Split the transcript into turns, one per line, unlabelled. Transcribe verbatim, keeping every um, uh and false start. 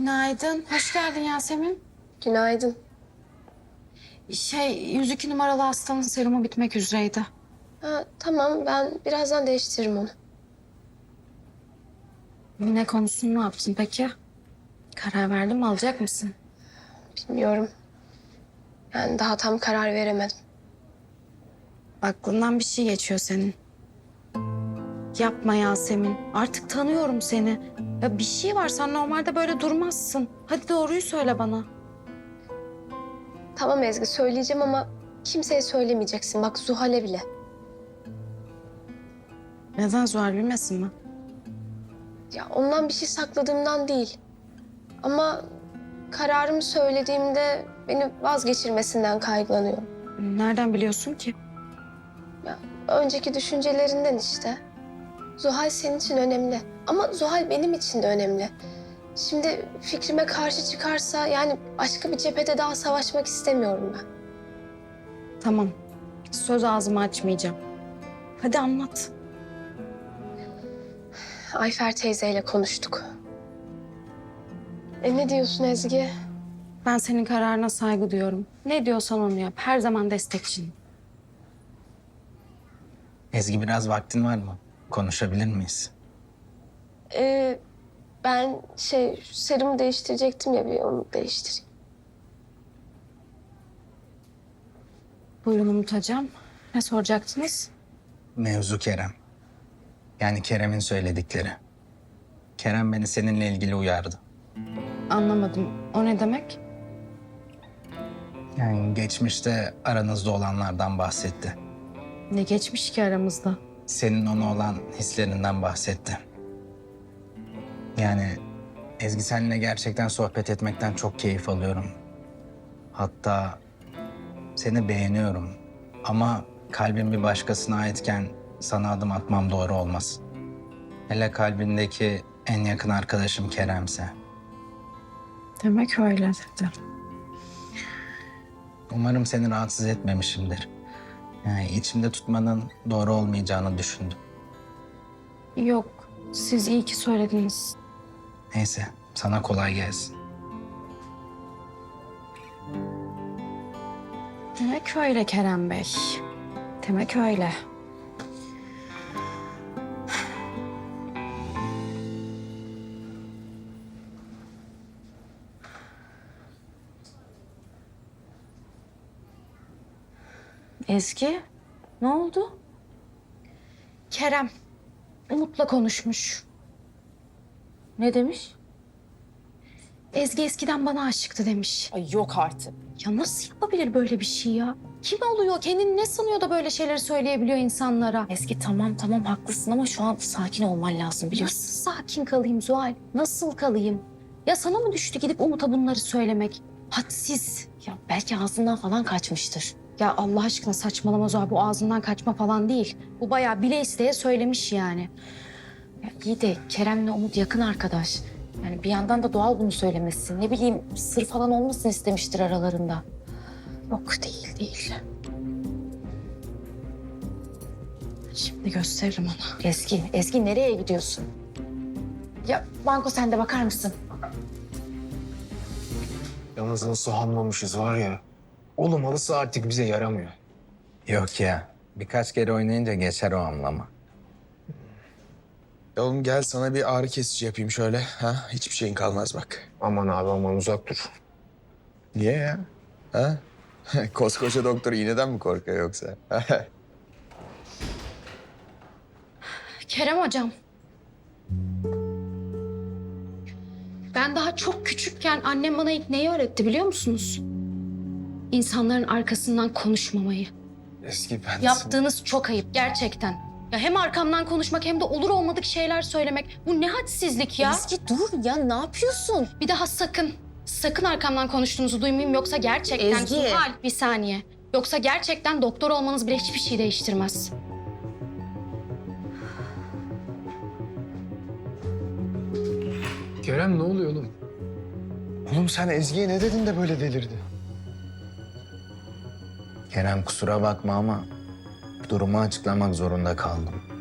Günaydın. Hoş geldin Yasemin.
Günaydın.
Şey, yüz iki numaralı hastanın serumu bitmek üzereydi.
Ha, tamam, ben birazdan değiştiririm onu.
Ne konusunu ne yaptın peki? Karar verdin mi, alacak mısın?
Bilmiyorum. Yani daha tam karar veremedim.
Aklından bir şey geçiyor senin. Yapma Yasemin. Artık tanıyorum seni. Ya bir şey var, sen normalde böyle durmazsın. Hadi doğruyu söyle bana.
Tamam Ezgi, söyleyeceğim ama kimseye söylemeyeceksin. Bak Zuhal'e bile.
Neden Zuhal bilmesin mi?
Ya ondan bir şey sakladığımdan değil. Ama kararımı söylediğimde beni vazgeçirmesinden kaygılanıyorum.
Nereden biliyorsun ki?
Ya önceki düşüncelerinden işte. Zuhal senin için önemli. Ama Zuhal benim için de önemli. Şimdi fikrime karşı çıkarsa yani başka bir cephede daha savaşmak istemiyorum ben.
Tamam. Söz ağzımı açmayacağım. Hadi anlat.
Ayfer teyzeyle konuştuk. E ne diyorsun Ezgi?
Ben senin kararına saygı duyuyorum. Ne diyorsan onu yap. Her zaman destekçinim.
Ezgi, biraz vaktin var mı? Konuşabilir miyiz?
Ee, ben şey serumu değiştirecektim ya, bir onu değiştireyim.
Buyurun Umut Hocam. Ne soracaktınız?
Mevzu Kerem. Yani Kerem'in söyledikleri. Kerem beni seninle ilgili uyardı.
Anlamadım. O ne demek?
Yani geçmişte aranızda olanlardan bahsetti.
Ne geçmiş ki aramızda?
Senin ona olan hislerinden bahsetti. Yani Ezgi, seninle gerçekten sohbet etmekten çok keyif alıyorum. Hatta seni beğeniyorum. Ama kalbim bir başkasına aitken sana adım atmam doğru olmaz. Hele kalbindeki en yakın arkadaşım Kerem'se.
Demek öyle dedi.
Umarım seni rahatsız etmemişimdir. Yani içimde tutmanın doğru olmayacağını düşündüm.
Yok, siz iyi ki söylediniz.
Neyse, sana kolay gelsin.
Demek öyle Kerem Bey. Demek öyle. Ezgi, ne oldu? Kerem, Umut'la konuşmuş.
Ne demiş?
Ezgi eskiden bana aşıktı demiş.
Ay yok artık.
Ya nasıl yapabilir böyle bir şey ya? Kim oluyor? Kendini ne sanıyor da böyle şeyleri söyleyebiliyor insanlara?
Eski tamam tamam haklısın ama şu an sakin olman lazım biliyorsun.
Nasıl sakin kalayım Zuhal? Nasıl kalayım? Ya sana mı düştü gidip Umut'a bunları söylemek? Hadsiz.
Ya belki ağzından falan kaçmıştır.
Ya Allah aşkına saçmalama Zuhal. Bu ağzından kaçma falan değil. Bu bayağı bile isteye söylemiş yani.
Ya iyi de Kerem'le Umut yakın arkadaş. Yani bir yandan da doğal bunu söylemesi. Ne bileyim sır falan olmasın istemiştir aralarında.
Yok değil değil. Şimdi gösteririm ona.
Eski, Eski nereye gidiyorsun? Ya Banko sen de bakar mısın?
Yalnız nasıl hanmamışız var ya. Oğlum halısı artık bize yaramıyor.
Yok ya, birkaç kere oynayınca geçer o anlama.
Ya oğlum gel sana bir ağrı kesici yapayım şöyle. Ha? Hiçbir şeyin kalmaz bak.
Aman abi aman uzak dur.
Niye ya? Ha? Koskoca doktor iğneden mi korkuyor yoksa?
Kerem hocam. Ben daha çok küçükken annem bana ilk neyi öğretti biliyor musunuz? İnsanların arkasından konuşmamayı.
Eski ben...
Yaptığınız çok ayıp gerçekten. Ya hem arkamdan konuşmak hem de olur olmadık şeyler söylemek. Bu ne hadsizlik ya.
Eski dur ya ne yapıyorsun?
Bir daha sakın, sakın arkamdan konuştuğunuzu duymayayım yoksa gerçekten...
Ezgi.
Zuhal, bir saniye. Yoksa gerçekten doktor olmanız bile hiçbir şey değiştirmez.
Kerem ne oluyor oğlum?
Oğlum sen Ezgi'ye ne dedin de böyle delirdi?
Kerem, kusura bakma ama durumu açıklamak zorunda kaldım.